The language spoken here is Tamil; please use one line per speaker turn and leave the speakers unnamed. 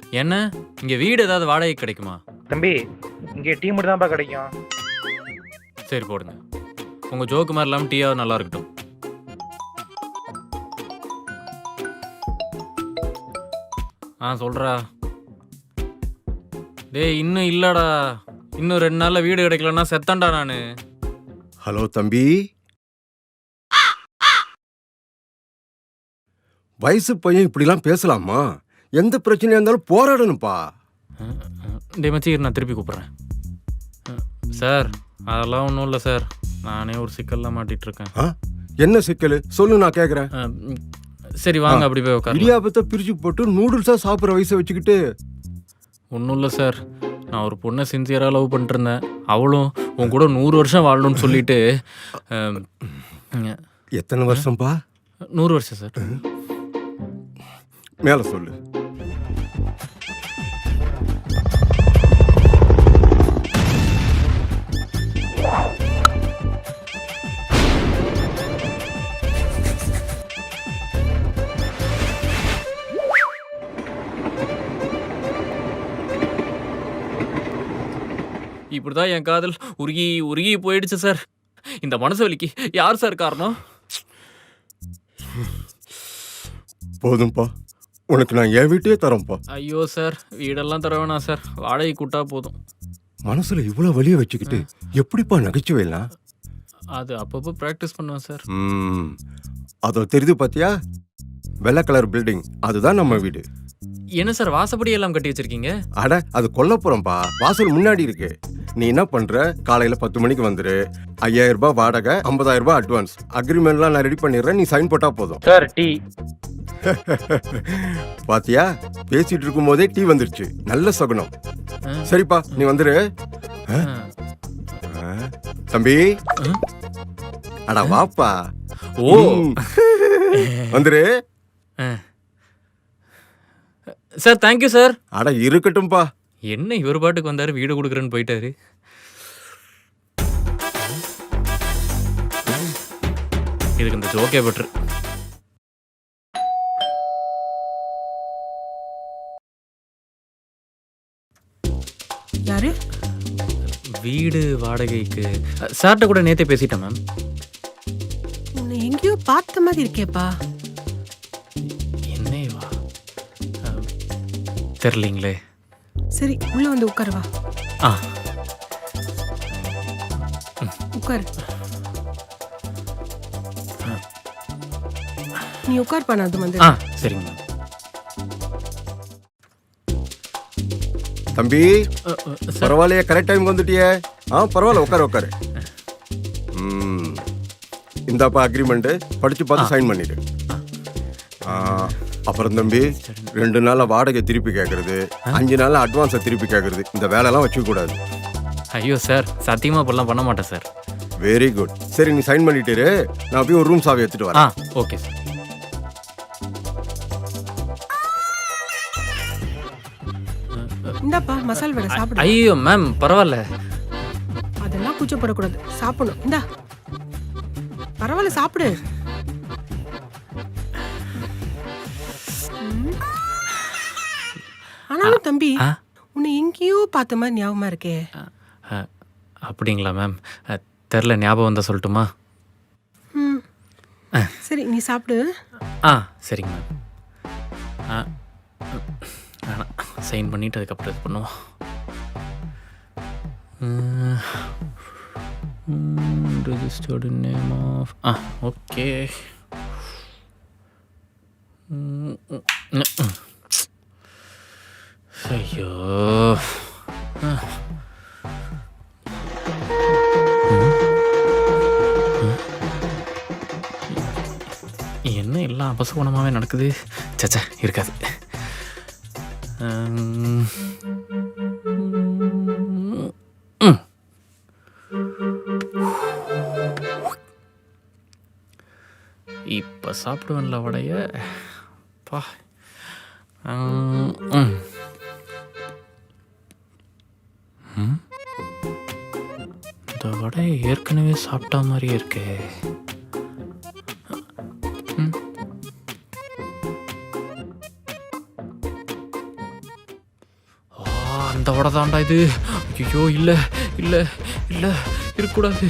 என்ன இங்கே வீடு ஏதாவது வாடகை கிடைக்குமா?
தம்பி இங்கே டீ மட்டும் தான்ப்பா கிடைக்கும்.
சரி போடுங்க. உங்கள் ஜோக்கு மாதிரி இல்லாமல் டீயாவது நல்லா இருக்கட்டும். சொல்கிறா. டேய் இன்னும் இல்லைடா, இன்னும் 2 நாளில் வீடு கிடைக்கலன்னா செத்தண்டா நான்.
ஹலோ தம்பி, வயசு பையன் இப்படிலாம் பேசலாமா? எந்த பிரச்சனையா இருந்தாலும் போராடணும்ப்பா.
டே மச்சி நான் திருப்பி கூப்பிட்றேன். சார் அதெல்லாம் ஒன்றும் இல்லை சார், நானே ஒரு சிக்கல்லாம் மாட்டிகிட்ருக்கேன்.
என்ன சிக்கல் சொல்லு, நான் கேட்குறேன்.
சரி வாங்க அப்படி போய் உட்காரு.
இடியாபத்தை பிரித்து போட்டு நூடுல்ஸாக சாப்பிட்ற வயசை வச்சுக்கிட்டு.
ஒன்றும் இல்லை சார், நான் ஒரு பொண்ணை சின்சியராக லவ் பண்ணிட்டுருந்தேன். அவளும் உன் கூட 100 வருஷம் வாழணும்னு சொல்லிட்டு.
எத்தனை வருஷம்ப்பா?
100 வருஷம் சார்.
மேலே சொல்லு.
இப்படிதான் என் காதல் உருகி உருகி போயிடுச்சு சார். இந்த மனசு வலிக்கு யார் சார் காரணம்?
போதும்ப்பா, உனக்கு நான் என் வீட்டையே தரேன்ப்பா.
ஐயோ சார், வீடெல்லாம் தர வேணாம் சார், வாடகை கூட்டா போதும்.
மனசுல இவ்வளோ வலியை வச்சுக்கிட்டு எப்படிப்பா நகைச்சுவைலாம்?
அது அப்பப்போ ப்ராக்டிஸ் பண்ணுவேன் சார்.
அதோ தெரியுது பார்த்தியா, வெள்ளை கலர் பில்டிங், அதுதான் நம்ம வீடு.
என்ன சார் வாசப்படி எல்லாம் கட்டி வச்சிருக்கீங்க?
அட அது கொல்லப்புறம்பா, வாசல் முன்னாடி இருக்கு. நீ என்ன பண்ற, காலையில 10 மணிக்கு வந்துரு. 5000 ரூபாய் வாடகை, 50,000 ரூபாய் அட்வான்ஸ். அக்ரிமெண்ட்லாம் நான் ரெடி பண்ணிடுறேன், நீ சைன் போட்டா போதும்.
Sir tea.
பாத்தியா, பேசிட்டு இருக்கும் போதே டீ வந்துருச்சு, நல்ல சகுனம். சரிப்பா நீ வந்துரு. தம்பி அடா வாப்பா.
ஓ
வந்துரு
சார். Thank you sir.
அட இருக்கட்டும்பா.
என்ன இவர் பாட்டுக்கு வந்தாரு, வீடு கொடுக்குறேன்னு போயிட்டாரு. இதுக்கு இந்த ஜோக்கே பெட்ரு.
யாரு?
வீடு வாடகைக்கு சார்ட்ட கூட நேத்தே பேசிட்டேன் மேம்.
உன்னை எங்கேயோ பார்த்த மாதிரி இருக்கேப்பா.
என்னவா தெரியலீங்களே.
சரி உள்ள வந்து உட்காரு வா. உட்காரு. நீ உட்கார் பண்ண அது வந்து.
சரிங்க மேம்.
தம்பி பரவாயில்லையே, கரெக்ட் டைம் வந்துட்டியே. பரவாயில்ல, உட்காரு உட்காரு. இந்தாப்பா அக்ரிமெண்ட், படிச்சு பார்த்து சைன் பண்ணிடு. அப்புறம் தம்பி 2 நாள்ல வாடகை திருப்பி கேட்கறது, 5 நாள்ல அட்வான்ஸை திருப்பி கேட்கறது, இந்த வேலைலாம் வச்சுக்க கூடாது.
ஐயோ சார், சத்தியமா இப்பெல்லாம் பண்ண மாட்டேன் சார்.
Very good. சரி நீ சைன் பண்ணிட்டு, நான் போய் ஒரு ரூம் சாவி எடுத்துட்டு வரேன்.
Okay sir.
இந்தாப்பா மசால் வடை சாப்பிடு.
ஐயோ மேம் பரவாயில்ல.
அதெல்லாம் கூச்சப்படக்கூடாது, சாப்பிடணும். இந்தா பரவாயில்ல சாப்பிடு. ஆனாலும் தம்பி உன்னை எங்கேயோ பார்த்த மாதிரி ஞாபகமா இருக்கே.
அப்படிங்களா மேம்? தெரில, ஞாபகம் வந்தா சொல்லட்டுமா?
சரி நீ சாப்பிடு.
சரிங்க மேம். வேணாம், சைன் பண்ணிவிட்டு அதுக்கப்புறம் இது பண்ணுவோம். Registered name of okay. ஐயோ என்ன எல்லாம் அபசகுணமாகவே நடக்குது. சச்சா இருக்காது. இப்போ சாப்பிடுவேன்ல வடைய. பா இந்த வடையை ஏற்கனவே சாப்பிட்டா மாதிரியே இருக்கே. அந்த வடை தாண்டா இது. ஐயோ இல்லை இல்லை இல்லை, இருக்கக்கூடாது.